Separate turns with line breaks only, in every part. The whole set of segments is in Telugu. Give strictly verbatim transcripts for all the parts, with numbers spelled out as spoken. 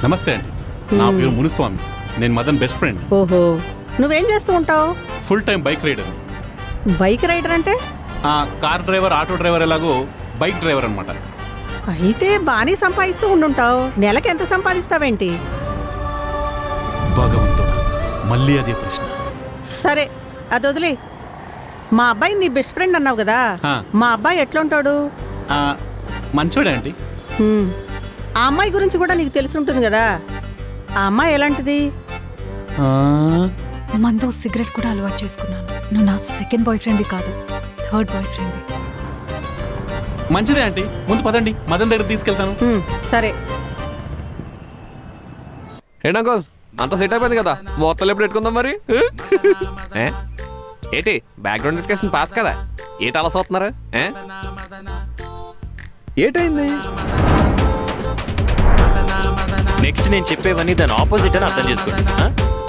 నమస్తే అండి, నా పేరు మునుస్వామి. నేను మదన్ బెస్ట్ ఫ్రెండ్.
ఓహో, నువ్వేం చేస్తూ ఉంటావు?
Full time bike rider.
Bike rider అంటే?
కార్ డ్రైవర్, ఆటో డ్రైవర్ ఎలాగో బైక్ డ్రైవర్ అనమాట.
అయితే బాగానే సంపాదిస్తూ ఉండుంటావు. నెలకి ఎంత సంపాదిస్తావేంటి?
భగవంతుడా, మళ్ళీ అదే ప్రశ్న.
సరే, అది వదిలే. మా అబ్బాయి నీ బెస్ట్ ఫ్రెండ్ అన్నావు కదా,
ఆ.
మా అబ్బాయి ఎట్లుంటాడు?
ఆ, మంచోడే ఆంటీ.
హ్మ్. ఆ అమ్మాయి గురించి కూడా నీకు తెలిసి ఉంటుంది కదా. ఆ అమ్మాయి ఎలాంటిది?
ఆ,
మందు సిగరెట్ కూడా అలవాటు చేసుకున్నాను. నువ్వు నా సెకండ్ బాయ్ ఫ్రెండ్ కాదు, థర్డ్ బాయ్ ఫ్రెండ్.
మంచిదే ఆంటీ, ముందు పదండి, మదన్ దగ్గర తీసుకెళ్తాను.
హ్మ్, సరే.
ఏంటంకోల్ అంత సెట్ అయిపోయింది కదా, మొత్తం ఎప్పుడు పెట్టుకుందాం మరి? ఏ? ఏంటి బ్యాక్గ్రౌండ్ వెరిఫికేషన్ పాస్ కదా, ఏంటి అలా చూస్తున్నారు? ఏ? ఏటైంది?
నెక్స్ట్ నేను చెప్పేవన్నీ దాని ఆపోజిట్ అని అర్థం చేసుకోండి. ఆ?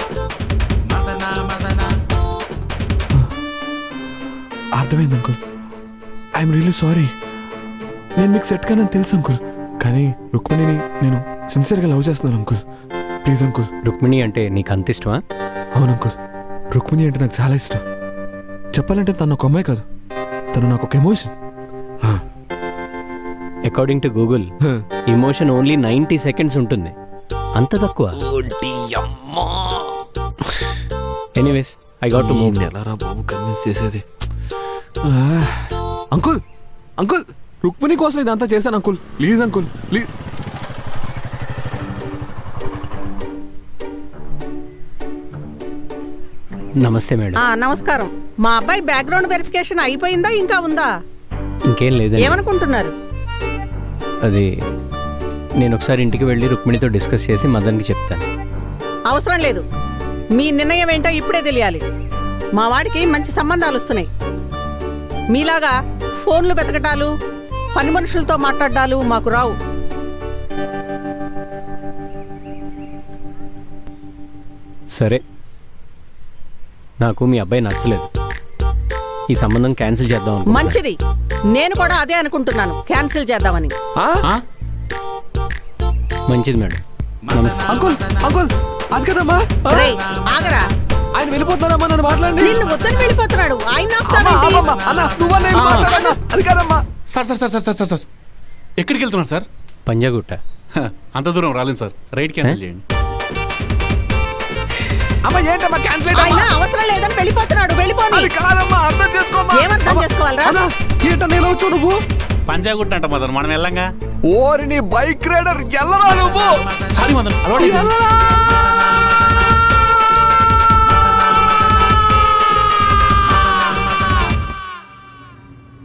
అర్థమైంది అంకుల్. I'm really sorry. నేను మీకు సెట్ కానని తెలుసు అంకుల్, కానీ రుక్మిణిని నేను సిన్సియర్గా లవ్ చేస్తున్నాను అంకుల్. Please uncle.
రుక్మిణి అంటే నీకు అంత ఇష్టమా?
అవును అంకుల్, రుక్మిణి అంటే నాకు చాలా ఇష్టం. చెప్పాలంటే తను ఒక అమ్మాయి కాదు, తను నాకు ఒక emotion.
According to Google emotion only ninety seconds ఉంటుంది, అంత తక్కువ. Anyways I got to move.
ఎలారా బాబు కన్విన్స్ చేసేది? అంకుల్ అంకుల్ రుక్మిణి కోసం ఇదంతా చేశాను అంకుల్. Please uncle, please.
నమస్తే మేడం.
ఆ, నమస్కారం. మా అబ్బాయి బ్యాక్గ్రౌండ్ వెరిఫికేషన్ అయిపోయిందా, ఇంకా ఉందా?
ఇంకేం లేదండి.
ఏమనుకుంటున్నారు?
అది నేను ఒకసారి ఇంటికి వెళ్ళి రుక్మిణితో డిస్కస్ చేసి మదన్కి చెప్తాను.
అవసరం లేదు. మీ నిర్ణయం ఏంటో ఇప్పుడే తెలియాలి. మా వాడికి మంచి సంబంధాలు వస్తున్నాయి. మీలాగా ఫోన్లు వెతకటాలు, పని మనుషులతో మాట్లాడాలు మాకు రావు.
సరే, నాకు మీ అబ్బాయి నచ్చలేదు. ఈ సంబంధం క్యాన్సిల్ చేద్దాం అనుకుంటున్నాను.
మంచిది, నేను కూడా అదే అనుకుంటున్నాను, క్యాన్సిల్ చేద్దామని.
ఆ?
మంచిది మేడం. నమస్తే.
అంకుల్ అంకుల్ అది కదమ్మా.
రేయ్, ఆగరా.
ఆయన వెళ్ళిపోతున్నారమ్మా, నన్ను మాట్లాడండి.
నిన్ను వద్దని వెళ్ళిపోతున్నాడు ఆయన.
అమ్మా, అమ్మమ్మ, అన్న, నువ్వన్నా వెళ్ళి మాట్లాడన్నా. అది కాదమ్మా.
Sir sir sir sir sir sir sir ఎక్కడికి వెళ్తున్నారు సార్?
పంజాగుట్ట.
హ, అంత దూరం రాలేదు సార్, రైడ్ క్యాన్సిల్ చేయండి.
అమ్మ ఏంటమ్మా క్యాన్సిల్
ఆయన అవసరం లేదని వెళ్ళిపోతున్నాడు, వెళ్ళిపోని.
అది కాదమ్మా, అర్థం చేసుకోమ్మా.
ఏమర్థం చేసుకోవాలరా?
అన్న, ఏంట నేను వచ్చు నువ్వు?
పంజాగుట్ట అంట మదన్, మనం వెళ్ళంగా.
ఓరి నీ బైక్ రైడర్ ఎల్లరా నువ్వు?
సారీ మదన్, అలవాటు అయిపోయింది.
ఎల్లరా?